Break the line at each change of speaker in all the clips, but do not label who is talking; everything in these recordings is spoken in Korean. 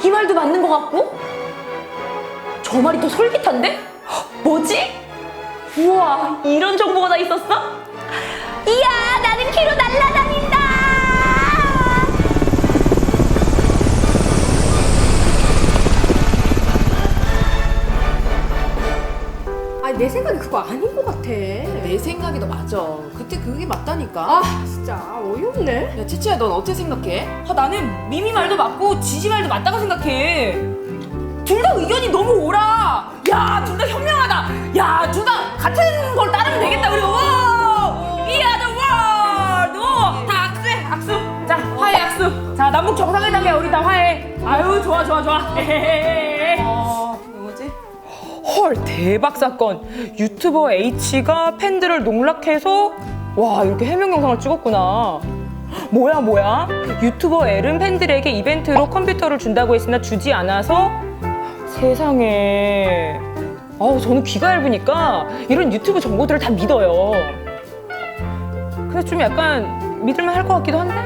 이 말도 맞는 것 같고 저 말이 더 솔깃한데? 뭐지? 우와, 이런 정보가 다 있었어? 이야, 나는 귀로 날아다닌다.
아니 내 생각이 그거 아닌 것 같아.
내 생각이 더 맞아. 그때 그게 맞다니까.
아 진짜 어이없네.
야, 채채야, 넌 어떻게 생각해?
나는 미미 말도 맞고 지지 말도 맞다고 생각해. 둘 다 의견이 너무 오라. 야, 둘 다 현명하다. 야, 둘 다 같은 걸 따르면 되겠다. 우리 We are the world. 다 악수해, 악수. 자, 화해 악수. 자, 남북 정상회담에 우리 다 화해. 아유, 좋아.
뭐지?
헐, 대박 사건. 유튜버 H가 팬들을 농락해서 와, 이렇게 해명 영상을 찍었구나. 뭐야? 유튜버 L은 팬들에게 이벤트로 컴퓨터를 준다고 했으나 주지 않아서 세상에. 저는 귀가 얇으니까 이런 유튜브 정보들을 다 믿어요. 근데 좀 약간 믿을만 할 것 같기도 한데?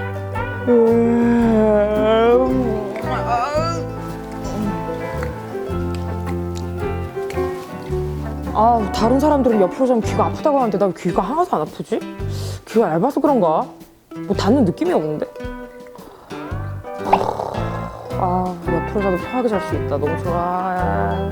다른 사람들은 옆으로 자면 귀가 아프다고 하는데 나 귀가 하나도 안 아프지? 귀가 얇아서 그런가? 뭐 닿는 느낌이 없는데? 옆으로 자도 편하게 잘 수 있다. 너무 좋아.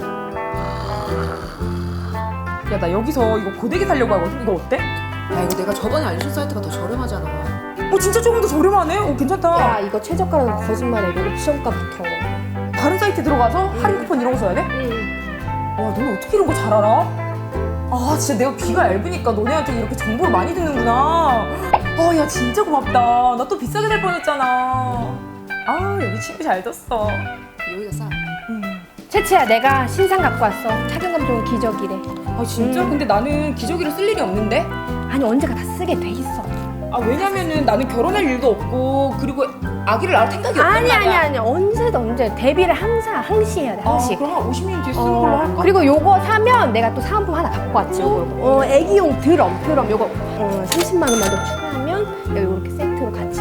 야, 나 여기서 이거 고데기 사려고 하거든? 이거 어때?
야, 이거 내가 저번에 알려준 사이트가 더 저렴하잖아.
진짜 조금 더 저렴하네? 괜찮다.
야 이거 최저가라는 거짓말해. 이거 옵션가부터.
다른 사이트 들어가서 할인 쿠폰 이런 거 써야 돼? 와, 너는 어떻게 이런 거 잘 알아? 진짜 내가 귀가 얇으니까 너네한테 이렇게 정보를 많이 듣는구나. 야, 진짜 고맙다. 나 또 비싸게 살 뻔했잖아. 여기 친구 잘 뒀어.
여기가 싸.
채채야 내가 신상 갖고 왔어. 착용감 좋은 기저귀래.
진짜? 근데 나는 기저귀를 쓸 일이 없는데?
아니 언제가 다 쓰게 돼 있어.
왜냐면은 나는 결혼할 일도 없고 그리고 아기를 낳을 생각이 없단
아니
말이야.
언제 데뷔를 항시해야 돼 항시.
그럼 한 50년 뒤에 쓰는 걸로 할까?
그리고 요거 사면 내가 또 사은품 하나 갖고 왔지. 애기용 드럼 요거 30만 원만 더 추가하면 여기 이렇게 세트로 같이.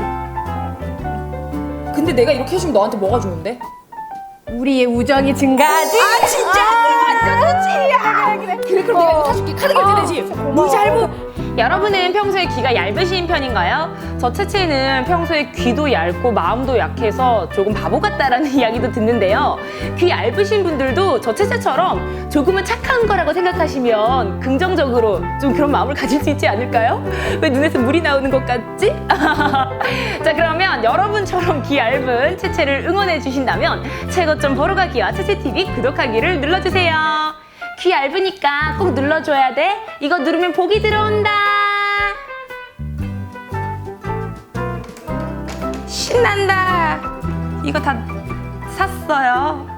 근데 내가 이렇게 해주면 너한테 뭐가 좋은데?
우리의 우정이 증가하지.
진짜? 완전 좋지. 그래, 그럼 내가 이거 사줄게. 카드 결제되지?
고마워.
여러분은 평소에 귀가 얇으신 편인가요? 저 채채는 평소에 귀도 얇고 마음도 약해서 조금 바보 같다라는 이야기도 듣는데요. 귀 얇으신 분들도 저 채채처럼 조금은 착한 거라고 생각하시면 긍정적으로 좀 그런 마음을 가질 수 있지 않을까요? 왜 눈에서 물이 나오는 것 같지? 자, 그러면 여러분처럼 귀 얇은 채채를 응원해 주신다면 최고점 보러가기와 채채TV 구독하기를 눌러주세요. 귀 얇으니까 꼭 눌러줘야 돼. 이거 누르면 복이 들어온다. 신난다. 이거 다 샀어요.